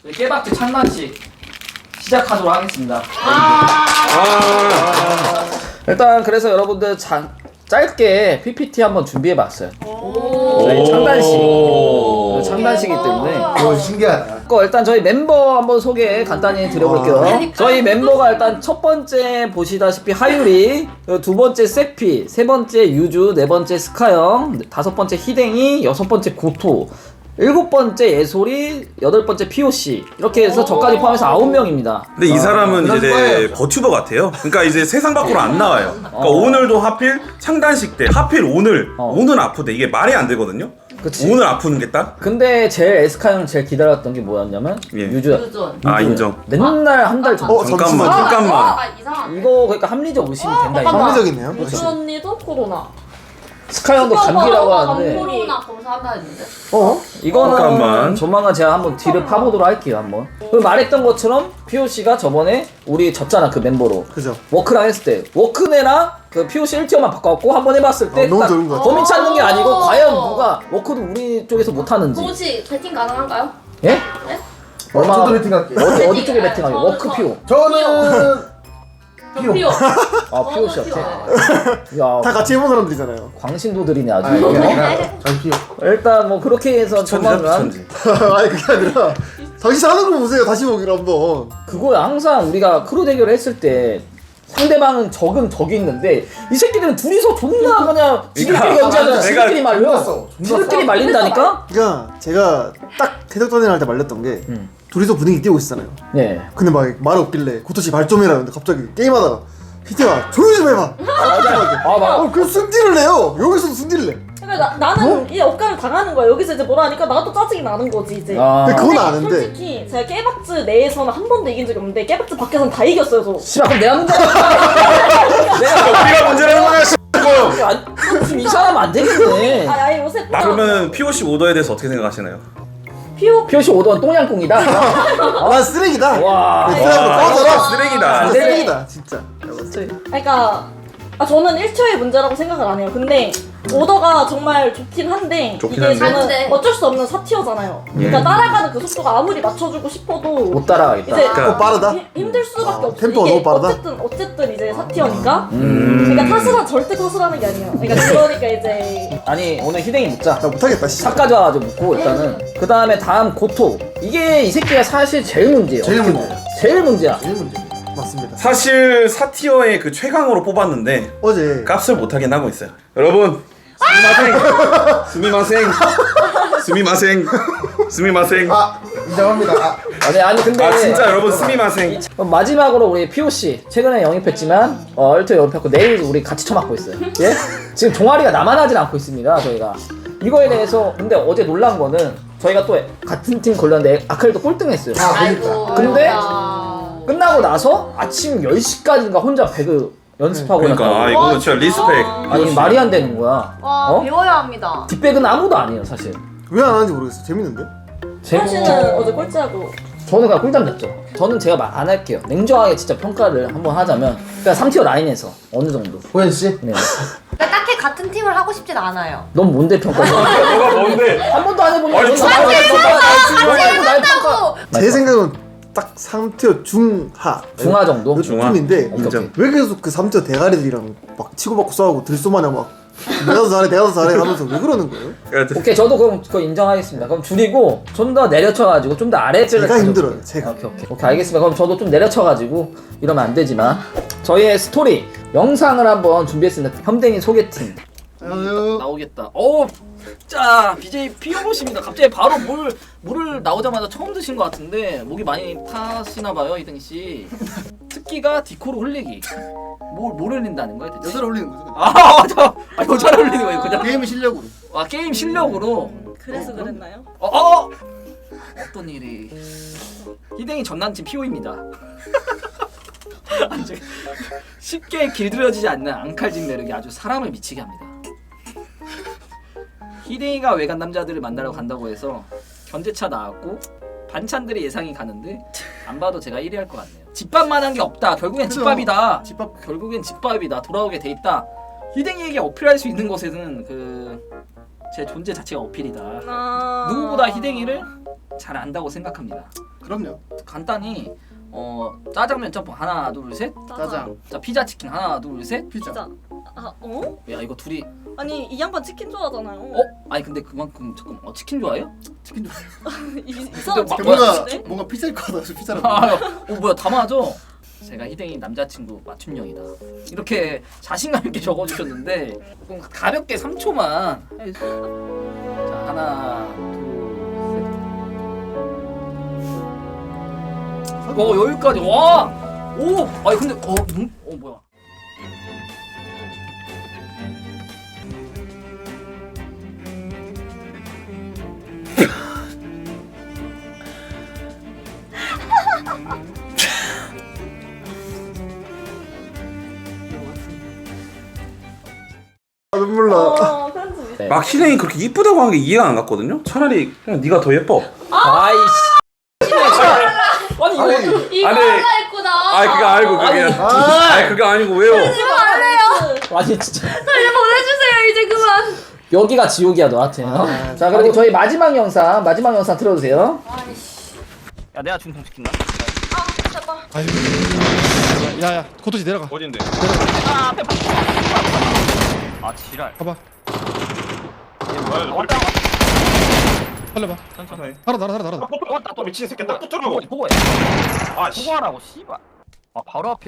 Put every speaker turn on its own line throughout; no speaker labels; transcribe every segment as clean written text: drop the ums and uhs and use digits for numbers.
깨박쥐 찬란식 시작하도록 하겠습니다. 일단 그래서 여러분들 짧게 PPT 한번 준비해봤어요. 저희 창단식이기 때문에.
오, 신기하다.
일단 저희 멤버 한번 소개 간단히 드려볼게요. 저희 멤버가 일단 첫 번째 보시다시피 하유리, 두 번째 세피, 세 번째 유주, 네 번째 스카영, 다섯 번째 히댕이, 여섯 번째 고토, 일곱 번째 예솔이, 여덟 번째 POC 이렇게 해서 저까지 포함해서 9명입니다.
근데 이 사람은 이제 버튜버 같아요. 그러니까 이제 세상 밖으로 안 나와요. 그러니까 오늘도 하필 창단식 때 하필 오늘 아프대. 이게 말이 안 되거든요.
그치.
오늘 아프는 게 딱?
근데 제일 에스카형을 제일 기다렸던 게 뭐였냐면 유주야.
아 인정.
맨날 한 달 전.
잠깐만.
이거 그러니까 합리적 의심이 된다 이거.
합리적이네요.
유주 언니도 코로나.
스카 형도 감기라고 하는데.
코로나 검사한다 했는데.
이거는
잠깐만.
조만간 제가 한번 뒤를 파보도록 할게요 한번. 그 말했던 것처럼 POC가 저번에 우리 졌잖아 그 멤버로.
그죠.
워크랑 했을 때 워크네랑 그 POC 1티어만 바꿔갖고 한번 해봤을 때
너무
딱
좋은 것 같아.
범인 찾는 게 아니고 과연 누가 워크도 우리 쪽에서 못하는지.
혹시 배팅 가능한가요?
예?
네?
얼마?
저도 배팅 할게요.
어디 쪽에 배팅하게? 워크 PO.
저는
피오.
아 POC였대. 야
다 같이 해본 사람들이잖아요.
광신도들이네 아주.
전 피요.
일단 뭐 그렇게 해서 조만간
아니 그게 아니라 당신 하는 거 보세요. 다시 보기로 한번.
그거야. 항상 우리가 크루 대결을 했을 때 상대방은 적이 있는데 이 새끼들은 둘이서 존나 그냥 지들끼리 연주하잖아. 지들끼리 말려. 지들끼리 말린다니까?
그러니까 제가 딱 대적전을 할 때 말렸던 게 둘이서 분위기 띄우고 있었잖아요.
네.
근데 막 말 없길래 고토씨 발 좀 해라. 근데 갑자기 게임하다가 히트가 조용히 좀 해봐.
막.
그 승질을 내요. 여기서도 승질을 내.
그러니까 나는 이 억까를 당하는 거야. 여기서 이제 뭐라 하니까 나도 짜증이 나는 거지 이제.
근데 그건 아는데.
솔직히 제가 깨박즈 내에서는 한 번도 이긴 적이 없는데 깨박즈 밖에서는 다 이겼어요 저.
씨발 그럼 내가 문제야.
우리가 문제라는 거야.
지금 이 사람 안 되겠네.
아니 요새
그러면 POC 오더에 대해서 어떻게 생각하시나요?
POC
5던 똥냥꿍이다.
난 쓰레기다.
와.
꺼져라.
쓰레기다.
쓰레기다 진짜.
그러니까 저는 1초의 문제라고 생각을 안 해요. 근데 오더가 정말 좋긴 한데 이게 저는 어쩔 수 없는 4티어잖아요. 그러니까 따라가는 그 속도가 아무리 맞춰주고 싶어도
못 따라가겠다.
이제
빠르다.
힘들 수밖에 없어.
템포가
이게
너무 빠르다.
어쨌든 이제 4티어니까. 그러니까 절대 탓을하는 게 아니에요. 그러니까 이제
아니 오늘 희댕이 묻자.
나 못하겠다. 씨.
삭까지 와가지고 묻고 일단은 그 다음에 다음 고토. 이게 이 새끼가 사실 제일 문제예요.
제일 문제야.
제일 문제야.
제일 문제. 맞습니다.
사실 4티어의 그 최강으로 뽑았는데
어제
값을 못하긴 하고 있어요. 여러분 스미마생 스미마생
아 인정합니다.
아니 근데
아 진짜 여러분 스미마생.
마지막으로 우리 POC 최근에 영입했지만 1티어 영입했고 내일 우리 같이 처맞고 있어요. 예? 지금 종아리가 남아나질 않고 있습니다 저희가. 이거에 대해서 근데 어제 놀란 거는 저희가 또 같은 팀 걸렸는데 아칼도 꼴등했어요. 근데 끝나고 나서 아침 10시까지인가 혼자 배그 연습하고
그러니까 이거는 진짜 리스펙.
아니 말이 안 되는 거야.
와 배워야 합니다.
뒷백은 아무도 아니에요 사실.
왜 안 하는지 모르겠어. 재밌는데?
사실은 어제 꼴찌하고
저는 그냥 꿀잠 잤죠. 저는 제가 말 안 할게요. 냉정하게 진짜 평가를 한번 하자면 그냥 3티어 라인에서 어느 정도.
호연 씨?
네.
그러니까 딱히 같은 팀을 하고 싶진 않아요.
넌 뭔데 평가해?
너가 뭔데?
한 번도 안 해본
아니,
날 평가.
제 생각은 딱 3티어 중하.
중하 정도?
중인데
인정.
왜 계속 그 3티어 대가리들이랑 막 치고받고 싸우고 들쏘마냥 막 내가 더 잘해 하면서 왜 그러는 거예요?
오케이 저도 그럼 그거 인정하겠습니다. 그럼 줄이고 좀 더 내려쳐가지고 좀 더 아래쪽을
제가 힘들어요. 제가.
오케이 알겠습니다. 그럼 저도 좀 내려쳐가지고 이러면 안 되지만 저희의 스토리 영상을 한번 준비했습니다. 현댕이 소개팅 나오겠다. 자 BJ 피오보십니다. 갑자기 바로 물을 나오자마자 처음 드신 것 같은데 목이 많이 타시나봐요 이등 씨. 특기가 디코로 흘리기. 뭘 흘린다는 거야 대체?
여자를 올리는 거죠.
여자를 흘리는 거예요 그냥.
게임 실력으로.
게임 실력으로.
그래서 그랬나요?
어떤 일이? 희댕이 전남친 피오입니다. 쉽게 길들여지지 않는 앙칼진 매력이 아주 사람을 미치게 합니다. 희댕이가 외간 남자들을 만나러 간다고 해서 견제차 나왔고 반찬들이 예상이 가는데 안 봐도 제가 1위 할 것 같네요. 집밥만한 게 없다. 결국엔 집밥이다. 결국엔 집밥이다. 돌아오게 돼 있다. 희댕이에게 어필할 수 있는 것에는 제 존재 자체가 어필이다. 누구보다 희댕이를 잘 안다고 생각합니다.
그럼요.
간단히 짜장면 짬뽕 하나 둘 셋.
짜장.
자 피자 치킨 하나 둘 셋.
피자.
진짜. 아 어?
야 이거 둘이
아니 이 양반 치킨 좋아하잖아요.
아니 근데 그만큼 조금 치킨 좋아해요?
치킨 좀.
이상한
근데
치킨
뭔가
좋아하시네?
뭔가 피자일 것 같아서 피자를.
뭐야 다 맞아. 제가 희댕이 남자친구 맞춤형이다. 이렇게 자신감 있게 적어주셨는데 조금 가볍게 3초만. 자 하나 둘 셋. 여기까지 와. 오. 아니 근데 뭐야?
눈물 나.
편집.
네.
막 희댕이 그렇게 이쁘다고 한 게 이해가 안 갔거든요. 차라리 그냥 네가 더 예뻐.
아이씨. 아니 이거
이거
아니,
하나 했구나.
아니 그거 알고 그게 아니 그거 아니고 왜요?
아니 진짜
이제 보내주세요 이제 그만.
여기가 지옥이야 너한테. 자 그리고 저희 마지막 영상 틀어주세요. 야 내가 중통 시킨다.
아유. 야야 고토지 내려가.
어딘데?
아 앞에 아 지랄.
가봐.
왔다.
살려봐.
천천히.
달아.
왔다 또
미친 새끼 딱
보고해.
아 씨.
보고하라고 씨발. 아 바로 앞에.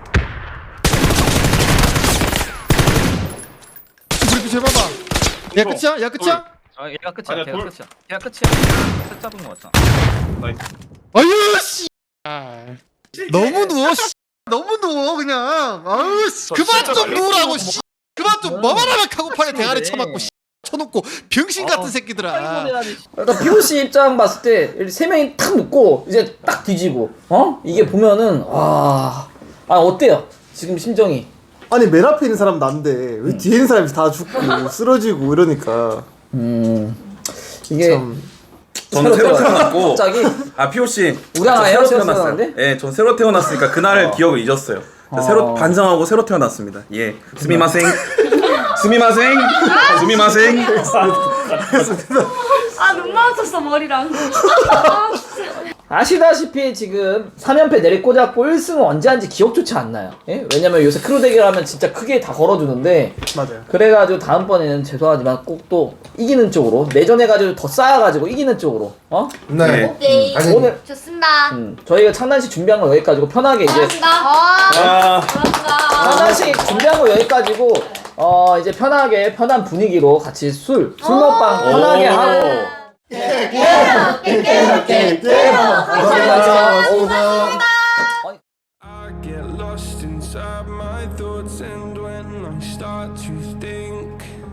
우리 비춰 봐봐. 야 끝이야? 야 끝이야?
아 얘가 끝이야.
아니야,
걔가
돌.
끝이야. 걔가 끝이야. 끝 잡은 거 같잖아.
아유 씨. 너무 누워 씨. 너무 누워 그냥. 아유 씨. 그만 좀 누우라고 씨. 그만 좀 뭐만 하면 카고팔에 대가리 쳐맞고 씨. 쳐놓고 병신 같은 새끼들아.
그러니까 POC 입장 봤을 때 세 명이 탁 묶고 이제 딱 뒤지고 이게 보면은 와 어때요 지금 심정이?
아니 맨 앞에 있는 사람 난데 왜 뒤에 있는 사람이 다 죽고 쓰러지고 이러니까
이게
참.
저는 새로 태어났고
갑자기
POC
우리 하나
새로
새로
태어났어요.
태어났는데?
예, 전 새로 태어났으니까 그날의 기억을 잊었어요. 새로 반성하고 새로 태어났습니다. 예, 스미마생, 스미마생, 스미마생.
아 눈 마주쳤어 머리랑.
아시다시피 지금 3연패 내리꽂았고 1승은 언제 한지 기억조차 안 나요. 예? 왜냐면 요새 크루 대결하면 진짜 크게 다 걸어주는데
맞아요.
그래가지고 다음번에는 죄송하지만 꼭 또 이기는 쪽으로 내전해가지고 더 쌓아가지고 이기는 쪽으로
네.
오케이.
오늘
좋습니다.
저희가 창단식 준비한 거 여기까지고 편하게 이제
고맙습니다. 아, 고맙습니다.
창단식 준비한 거 여기까지고 이제 편하게 편한 분위기로 같이 술 먹방 편하게 하고
I get lost inside my thoughts, and when I start to think